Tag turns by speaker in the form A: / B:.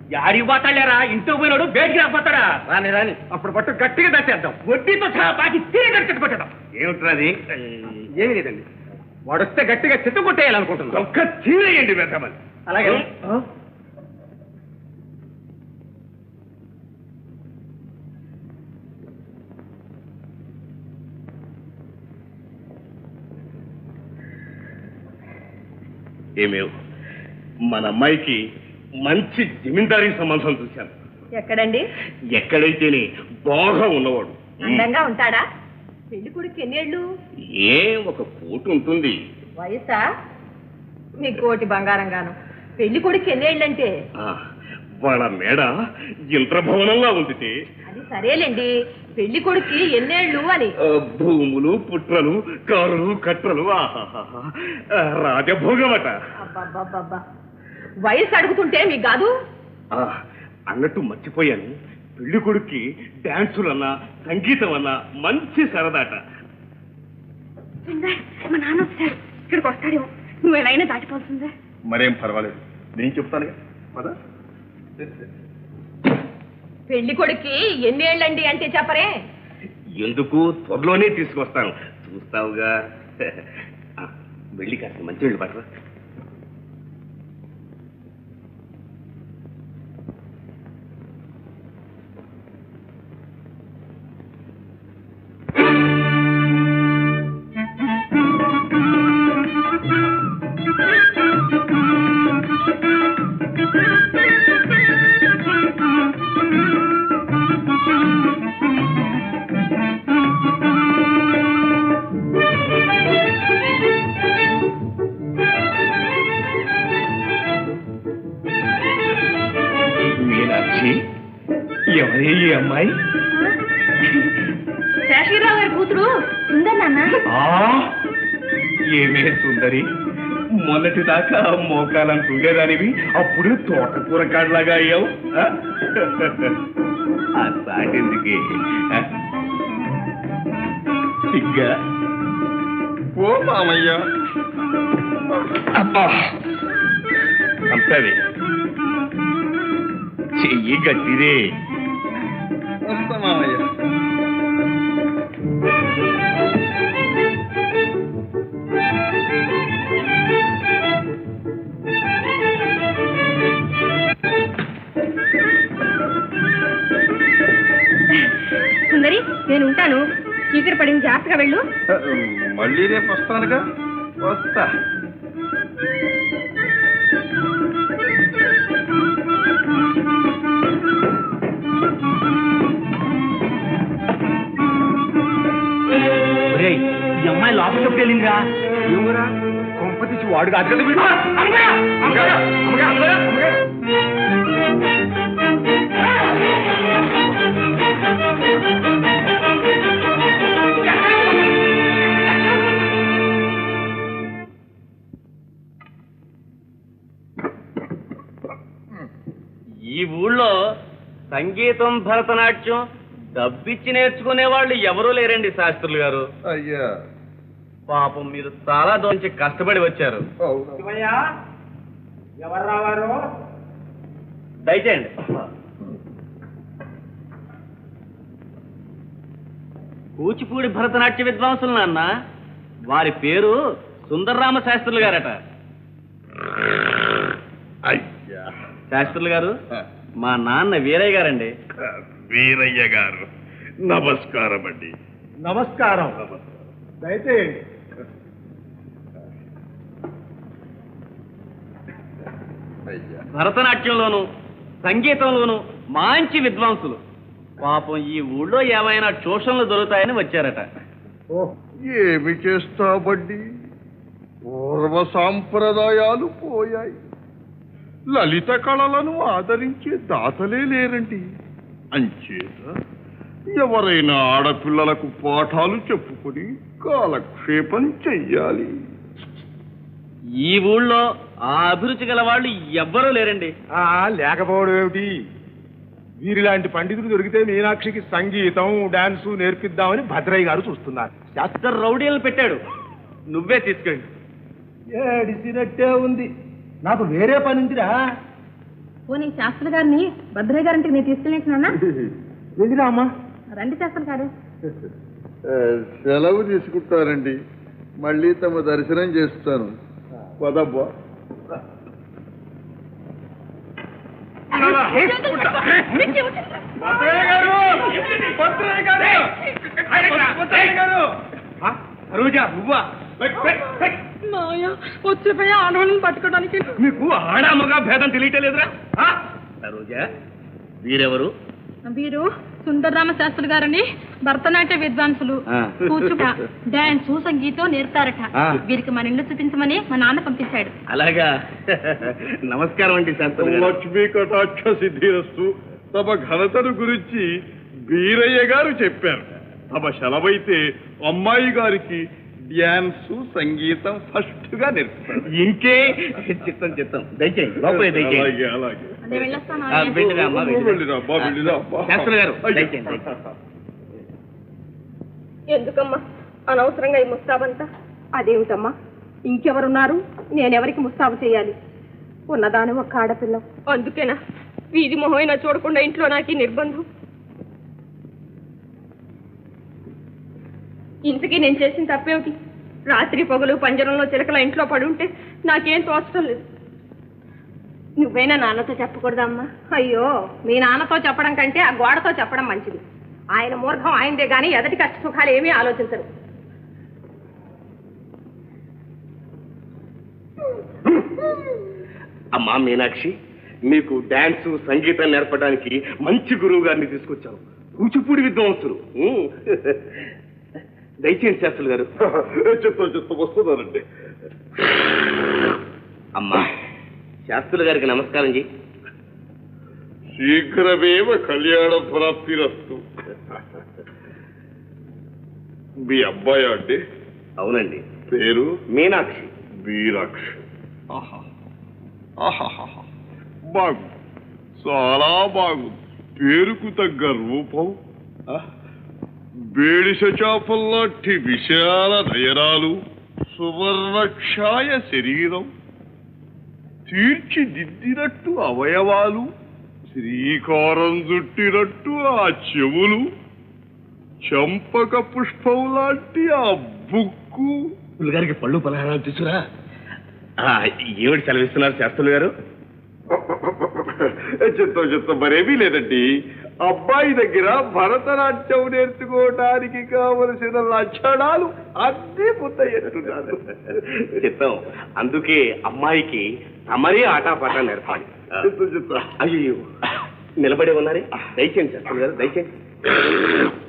A: యాడికి పోతాడారా? ఇంట్లో పోయినాడు బయటికి రాకపోతాడా? రాని రాని అప్పుడు పట్టు గట్టిగా దచ్చేద్దాం. వడ్డీతో సహా బాకి తిరిగి గట్టి కొట్టేద్దాం. ఏమిట్రాది? ఏమి లేదండి, వాడొస్తే గట్టిగా చెత్త కొట్టేయాలనుకుంటున్నాం. ఒక్క తీరేయండి పెద్దమని. అలాగే. ఏమేవ్, మన అమ్మాయికి మంచి జమీందారీ సంబంధం చూశాను.
B: ఎక్కడండి?
A: ఎక్కడైతేనే బాగా ఉన్నవాడు.
B: అందంగా ఉంటాడా? పెళ్లి కొడుకు ఎన్నేళ్ళు?
A: ఏ ఒక కోటి ఉంటుంది.
B: వయసా? మీ కోటి బంగారంగాను. పెళ్లి కొడుకు ఎన్నేళ్ళంటే?
A: వాళ్ళ మేడ ఇంద్రభవనంలా ఉంది.
B: అది సరేలేండి, పెళ్లి కొడుకు ఎన్నేళ్ళు అని.
A: భూములు, పుట్రలు, కారులు, కట్రలు, రాజభోగమట.
B: అబ్బబ్బబ్బబ్బా, వయసు అడుగుతుంటే మీకు కాదు.
A: అన్నట్టు మర్చిపోయాను, పెళ్లి కొడుక్కి డాన్సులన్నా సంగీతం అన్నా మంచి సరదాట.
B: మా నాన్న వచ్చాడు, ఇక్కడికి వస్తాడేమో. నువ్వు ఎలా అయినా దాటిపోతుందా?
A: మరేం పర్వాలేదు, నేను చెప్తానుగా. పదా.
B: పెళ్లి కొడుక్కి ఎన్నేళ్ళండి అంటే చెప్పరే?
A: ఎందుకు, త్వరలోనే తీసుకొస్తాను, చూస్తావుగా. వెళ్ళి కాస్త మంచి వెళ్ళి పడరా. ఎవరే ఈ అమ్మాయి?
B: శేషగిరిరావు గారి కూతురు సుందరి నాన్న.
A: ఏమే సుందరి, మొన్నటి దాకా మోకాలంటుండేదానివి, అప్పుడు తోటకూర కాడలాగా అయ్యావు. ఆ సాటెందుకే సిగ్గా? ఓ మామయ్య, అంతది చెయ్యి గట్టిదే. వస్తా మామయ్య.
B: సుందరి, నేను ఉంటాను. చీకటి పడింది, జాగ్రత్తగా వెళ్ళు.
A: మళ్ళీ రేపు వస్తానుగా. వస్తా. ఈ అమ్మాయి లోపలికి ఎప్పుడు వెళ్ళిందిరా? ఏమరా కొంప తీసి వాడు కాదు కదా వీడు. ఈ ఊళ్ళో సంగీతం, భరతనాట్యం డబ్బిచ్చి నేర్చుకునే వాళ్ళు ఎవరూ లేరండి శాస్త్రులు గారు.
C: అయ్యా
A: పాపం, మీరు చాలా దూరం నుంచి కష్టపడి వచ్చారు. ఎవరు రావారు? దయచేయండి. కూచిపూడి భరతనాట్య విద్వాంసులు నాన్న. వారి పేరు సుందర్రామ శాస్త్రులు గారట.
C: అయ్యా
A: శాస్త్రులు గారు, మా నాన్న వీరయ్య గారండి.
C: వీరయ్య గారు నమస్కారం అండి.
D: నమస్కారం. దయచేయండి.
A: భరతనాట్యంలోను సంగీతంలోను మంచి విద్వాంసులు. పాపం ఈ ఊళ్ళో ఏమైనా ట్యూషన్లు దొరుకుతాయని వచ్చారట.
C: ఏమి చేస్తాబడ్డి, పూర్వ సాంప్రదాయాలు పోయాయి. లలిత కళలను ఆదరించే దాతలే లేరండి. అంచేత ఎవరైనా ఆడపిల్లలకు పాఠాలు చెప్పుకొని కాలక్షేపం చెయ్యాలి.
A: ఈ ఊళ్ళో ఆ అభిరుచి గల వాళ్ళు ఎవ్వరూ లేరండి.
D: లేకపోవడం ఏమిటి? వీరిలాంటి పండితులు దొరికితే మీనాక్షికి సంగీతం, డాన్సు నేర్పిద్దామని భద్రయ్య గారు చూస్తున్నారు.
A: శాస్త్ర రౌడీలను పెట్టాడు, నువ్వే తీసుకెళ్ళి.
D: ఏడిసినట్టే ఉంది, నాకు వేరే పని ఉందిరా.
B: పోనీ శాస్త్రి గారిని భద్రయ్య గారింటికి నేను తీసుకెళ్ళినా
A: వెళ్ళిరా అమ్మా.
B: రండి శాస్త్రి గారు.
C: సెలవు తీసుకుంటారండి, మళ్ళీ తమ దర్శనం చేస్తాను. పదబ్బా.
B: వచ్చిపోయి ఆడవాళ్ళని పట్టుకోవడానికి
A: మీకు ఆడామగా భేదం తెలియటలేదురా? సరోజా, వీరెవరు?
B: వీరు సుందరరామ శాస్త్రి గారని భరతనాట్య విద్వాంసులు. కూచిపూడి, డాన్స్, సంగీతం నేర్పుతారట. వీరికి మన ఇల్లు చూపించమని మా నాన్న పంపించాడు.
A: అలాగా. నమస్కారం అండి శాస్త్రి గారు.
C: లక్ష్మీ కటాక్ష సిద్ధిరస్తు. తమ ఘనతను గురించి వీరయ్య గారు చెప్పారు. తమ సెలవైతే అమ్మాయి గారికి డ్యాన్స్, సంగీతం ఫస్ట్ గా నేర్పుతారు.
A: ఇంకే చిత్తం చిత్తం. దయచేయండి, లోపలే దయచేయండి.
C: అలాగే అలాగే.
B: నేను వెళ్ళొస్తాను.
A: వెళ్ళిరా అమ్మా, వెళ్ళిరా.
C: వెళ్ళిరా అబ్బా, వెళ్ళిరా అబ్బా.
A: శాస్త్రి గారు, దయచేయండి, దయచేయండి.
B: ఎందుకమ్మా అనవసరంగా ఈ ముస్తాబంతా? అదేమిటమ్మా, ఇంకెవరున్నారు? నేనెవరికి ముస్తాబు చేయాలి? ఉన్నదాని ఒక్క ఆడపిల్ల. అందుకేనా వీధి మొహమైనా చూడకుండా ఇంట్లో నాకు ఈ నిర్బంధం? ఇంతకీ నేను చేసిన తప్పేమిటి? రాత్రి పగలు పంజరంలో చిలకల ఇంట్లో పడుంటే నాకేం తోచడం లేదు. నువ్వైనా నాన్నతో చెప్పకూడదమ్మా? అయ్యో, మీ నాన్నతో చెప్పడం కంటే ఆ గోడతో చెప్పడం మంచిది. ఆయన మూర్ఖం ఆయనదే గాని ఎదటి కష్ట సుఖాలు ఏమీ ఆలోచించరు.
A: అమ్మా మీనాక్షి, మీకు డాన్స్, సంగీతం నేర్పడానికి మంచి గురువు గారిని తీసుకొచ్చాను. కూచిపూడి విద్వాంసులు. దయచేయండి శాస్త్రులు గారు.
C: చెప్తా వస్తున్నానండి.
A: అమ్మా, శాస్త్రుల గారికి నమస్కారం జీ.
C: శీఘ్రమేవ కళ్యాణ ప్రాప్తిరస్తు. మీ అబ్బాయి అండి?
A: అవునండి.
C: పేరు?
A: మీనాక్షి.
C: మీనాక్షి. బాగుంది, చాలా బాగుంది. పేరుకు తగ్గ రూపం, బేడిస చాపల్లాంటి విశాల నయనాలు, సువర్ణక్షాయ శరీరం, తీర్చిదిద్దినట్టు అవయవాలు, శ్రీకారం చుట్టినట్టు ఆ చెవులు, చంపక పుష్పం లాంటి ఆ బుక్కు.
A: గారికి పళ్ళు పలహారాలు తీసుకురా. ఏమిటి సెలవిస్తున్నారు శాస్త్రులు గారు?
C: చెత్త మరేమీ లేదండి. అబ్బాయి దగ్గర భరతనాట్యం నేర్చుకోవడానికి కావలసిన లక్షణాలు అన్నీ పూర్తయ్యేట్టున్నారు.
A: చిత్తం. అందుకే అమ్మాయికి తమరే ఆటాపాట నేర్పాలి.
C: చెత్త
A: అయ్యో, నిలబడి ఉన్నారే. దయచేయండి శాస్త్రులు గారు, దయచేయండి.